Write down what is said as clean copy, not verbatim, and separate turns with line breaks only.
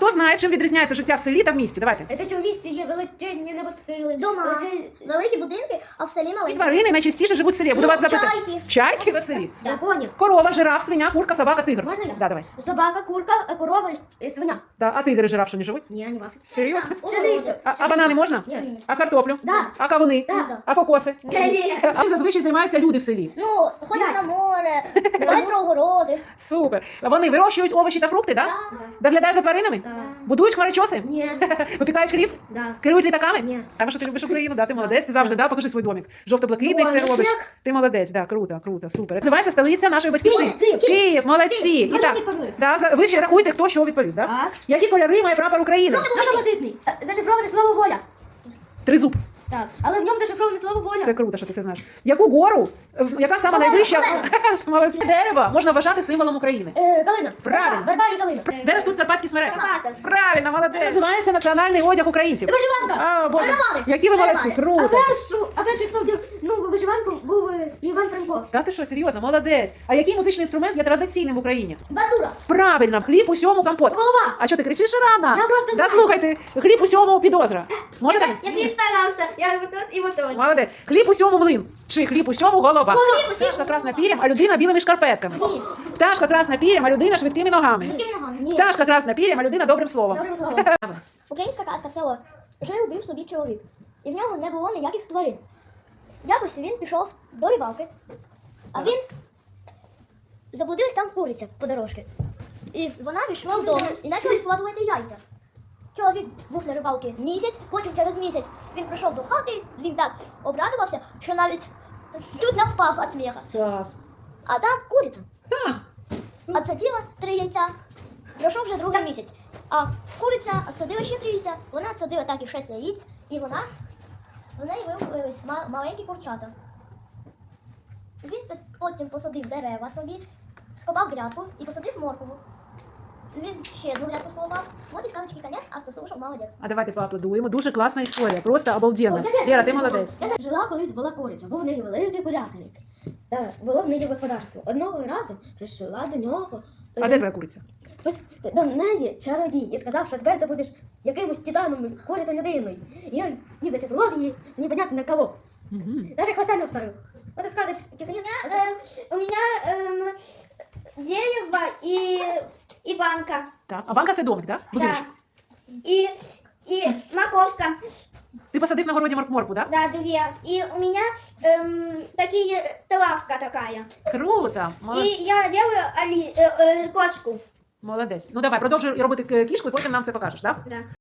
хто знає, чим відрізняється життя в селі та в місті? Давайте.
Те, що в місті є величезні небосхили.
Дома, великі будинки, а в селі
І
маленькі.
тварини найчастіше живуть в селі. Буду вас запитати.
чайки.
Чайки в селі?
Драконів.
Корова, жираф, свиня, курка, собака, тигр.
Можна я?
Да, давай.
Собака, курка, корова і свиня.
Да. А тигри, жираф, що не живуть?
Ні, не в Африці.
Серйозно?
Ще дивіться.
А банани можна?
Ні.
А картоплю?
Да.
А кавуни?
Да.
А кокоси?
Ні.
А чим зазвичай займаються люди в селі?
Ну, ходять на море, гуляють про огороди.
Супер. А вони вирощують овочі та фрукти, так? Доглядають за тваринами?
Да.
Будують хмарочоси?
Ні.
Випікають хліб?
Да.
Керують літаками?
Ні.
А що ти любиш Україну, да? Ти молодець, ти завжди, да? Покажи свій домик. Жовто-блакитний
Ой,
все
ну
робиш.
як?
Ти молодець, да, круто, круто, супер. Називається столиця нашої батьківщини.
Київ.
Київ, молодці. І
Ви
так,
відповіли.
да, ви ще рахуєте, хто що відповів, да?
Так.
Які кольори має прапор України?
Жовто-блакитний. Зашифроване слово воля.
Тризуб.
Так. Але в ньому зашифроване слово воля.
Це круто, що ти це знаєш. Яку гору, яка сама найвища? Молодці. Дерево можна вважати символом України.
Калина.
Правильно.
Верба і калина.
Де ростуть карпатські смереки?
Карпати.
Правильно, молодець. Називається національний одяг українців.
Вишиванка.
А, Боже,
Шаровари.
які ви молодці,
Шаровари.
круто.
А перший, хто вдяг вишиванку, був Іван Франко.
Та ти що, серйозно, молодець. А який музичний інструмент є традиційним в Україні?
Бандура.
Правильно, хліб усьому компот.
Голова.
А що ти кричиш рано?
Я просто
Да,
знаю.
слухайте, хліб усьому підозра. Можете?
Який старався, я вот тут і вот тут.
Молодець. Хліб усьому млин. Чи хліб усьому голова.
Хліб усьому
Пташка красна пір'ям, а людина білими шкарпетками.
Ні.
Пташка красна пір'ям, а людина швидкими ногами.
Яким ногами?
Ні.
Пташка красна пір'ям, а людина добрим словом.
Добрим словом.
Українська казка село. Жив собі чоловік. І в нього не було ніяких тварин. Якось він пішов до рибалки, а він заблудилась там куриця по дорожці. І вона пішла вдома і почала відкладувати яйця. Чоловік був на рибалці місяць, потім через місяць він прийшов до хати, він так обрадувався, що навіть чуть не впав від сміха.
Клас.
А там куриця.
Ха. Супер.
Отсадила 3 яйця. Пройшов вже другий місяць. А куриця отсадила ще 3 яйця. Вона отсадила так і 6 яєць, і в неї виявились маленькі курчата. Він потім посадив дерева собі, скопав грядку і посадив моркову. Він ще одну грядку сховав. От і сказочки конець, а хто слушав, молодець.
А давайте поаплодуємо. Дуже класна історія, просто обалденна.
Ой,
Лера, ти молодець.
Жила колись була куриця, був в неї великий курятник. Та було в неї господарство. Одного разу прийшла до нього.
А де твоя куриця?
До неї чародій і сказав, що тепер ти будеш якимось титаном, куриця людиною. І я зачаклував її, непонятно на кого. Даже хвоста не оставив. Вот и скажешь,
У мене дерево і банка.
Так. А банка це домик, так? Будиночок.
І морковка.
Ти посадив на городі моркву, так?
Да, 2. И у меня лавка такая.
Круто.
И я делаю кошку.
Молодець. Ну давай, продовжуй робити кішку і потім нам це покажеш, так?
Да.